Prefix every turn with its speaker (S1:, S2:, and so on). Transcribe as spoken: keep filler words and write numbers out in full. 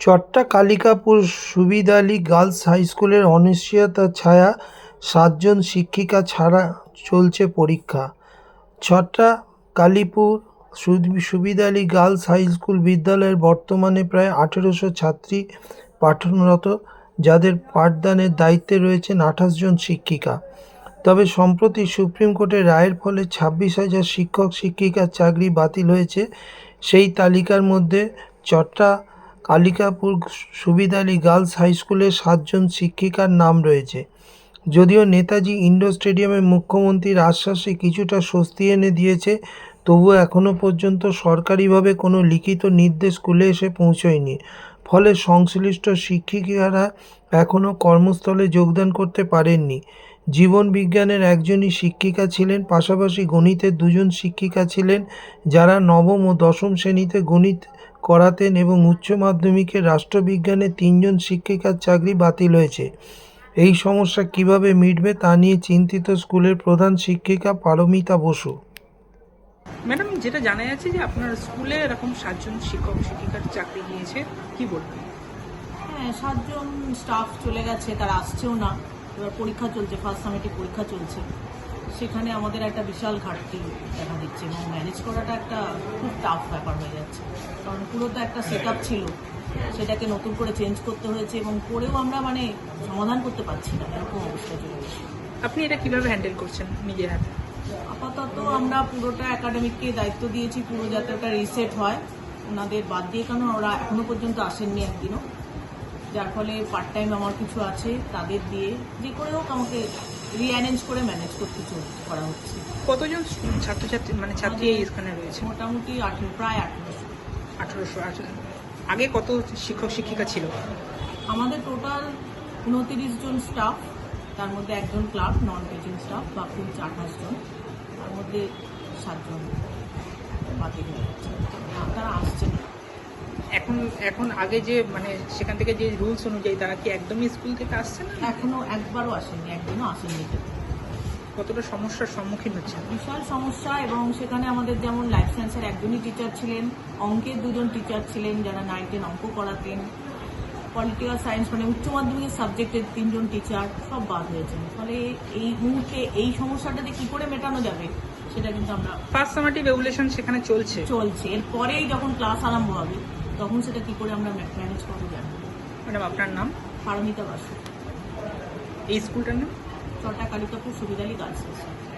S1: চট্টা Kalikapur Subid Ali girls হাইস্কুলের অনিশ্চয়তার ছায়া, সাতজন শিক্ষিকা ছাড়া চলছে পরীক্ষা। চট্টা কালীপুর সুবিদ আলী গার্লস হাইস্কুল বিদ্যালয়ের বর্তমানে প্রায় আঠেরোশো ছাত্রী পাঠনরত, যাদের পাঠদানের দায়িত্বে রয়েছেন আঠাশ জন শিক্ষিকা। তবে সম্প্রতি সুপ্রিম কোর্টের রায়ের ফলে ছাব্বিশ হাজার শিক্ষক শিক্ষিকার চাকরি বাতিল হয়েছে। সেই তালিকার মধ্যে চট্টা কালিকাপুর সুবিদ আলী গার্লস হাইস্কুলের সাতজন শিক্ষিকার নাম রয়েছে। যদিও নেতাজি ইন্ডোর স্টেডিয়ামে মুখ্যমন্ত্রীর আশ্বাসে কিছুটা স্বস্তি এনে দিয়েছে, তবুও এখনও পর্যন্ত সরকারিভাবে কোনো লিখিত নির্দেশ স্কুলে এসে পৌঁছয়নি। ফলে সংশ্লিষ্ট শিক্ষিকারা এখনও কর্মস্থলে যোগদান করতে পারেননি। জীবন বিজ্ঞানের একজনই শিক্ষিকা ছিলেন, পাশাপাশি গণিতের দুজন শিক্ষিকা ছিলেন, যারা নবম ও দশম শ্রেণীতে গণিত করাতেন, এবং উচ্চ মাধ্যমিকে রাষ্ট্রবিজ্ঞানে তিনজন শিক্ষিকার চাকরি বাতিল হয়েছে। এই সমস্যা কিভাবে মিটবে তা নিয়ে চিন্তিত স্কুলের প্রধান শিক্ষিকা পারমিতা বসু।
S2: ম্যাডাম, যেটা জানা যাচ্ছে যে আপনার স্কুলে এরকম সাতজন শিক্ষক শিক্ষিকার চাকরি গিয়েছে, কি বলবেন?
S3: হ্যাঁ, সাতজন স্টাফ চলে গেছে, তারা আসছেও না। এবার পরীক্ষা চলছে, ফার্স্ট সামিটিভ পরীক্ষা চলছে, সেখানে আমাদের একটা বিশাল ঘাটতি দেখা দিচ্ছে এবং ম্যানেজ করাটা একটা খুব টাফ ব্যাপার হয়ে যাচ্ছে। কারণ পুরো তো একটা সেট আপ ছিল, সেটাকে নতুন করে চেঞ্জ করতে হয়েছে এবং করেও আমরা মানে সমাধান করতে পারছি না, এরকম অবস্থা চলে গেছে।
S2: আপনি এটা কিভাবে হ্যান্ডেল করছেন নিজের হাতে?
S3: আপাতত আমরা পুরোটা একাডেমিককে দায়িত্ব দিয়েছি, পুরো যাতে ওটা রিসেট হয়। ওনাদের বাদ দিয়ে, কারণ ওরা এখনো পর্যন্ত আসেননি একদিনও, যার ফলে পার্ট টাইম আমার কিছু আছে, তাদের দিয়ে যে করে হোক আমাকে রিঅ্যারেঞ্জ করে ম্যানেজ করতে করা হচ্ছে।
S2: কতজন ছাত্রছাত্রী মানে ছাত্রী এখানে রয়েছে?
S3: মোটামুটি আঠেরো প্রায় আঠেরোশো
S2: আঠেরোশো আঠেরো আগে কত শিক্ষক শিক্ষিকা ছিল?
S3: আমাদের টোটাল উনতিরিশ জন স্টাফ, তার মধ্যে একজন ক্লার্ক, নন টিচিং স্টাফ, বাকি হচ্ছে আঠাশ জন, তার মধ্যে সাতজন বাতিল হয়ে যাচ্ছে, তারা আসছে না
S2: এখন এখন আগে যে মানে সেখান থেকে যে রুলস অনুযায়ী তারা কি একদমই স্কুল থেকে আসছে না?
S3: এখনো একবারও আসেনি, একদিনও আসেনি।
S2: কতটা সমস্যার সম্মুখীন হচ্ছে?
S3: বিশাল সমস্যা। এবং সেখানে আমাদের যেমন লাইফ সায়েন্সের একজনই টিচার ছিলেন, অঙ্কের দুজন টিচার ছিলেন যারা নাইন টেন অঙ্ক করাতেন, পলিটিক্যাল সায়েন্স মানে উচ্চ মাধ্যমিকের সাবজেক্টের তিনজন টিচার সব বাদ হয়েছেন। ফলে এই মুহূর্তে এই সমস্যাটাতে কি করে মেটানো যাবে সেটা কিন্তু আমরা
S2: ফার্স্ট সামেটিভ রেগুলেশন সেখানে চলছে
S3: চলছে এরপরেই যখন ক্লাস আরম্ভ হবে তখন সেটা কি করে আমরা ম্যানেজ করবো জানি।
S2: ম্যাডাম, আপনার নাম?
S3: পারমিতা বসু।
S2: এই স্কুলটার নাম?
S3: Chatta Kalikapur Subid Ali girls high school.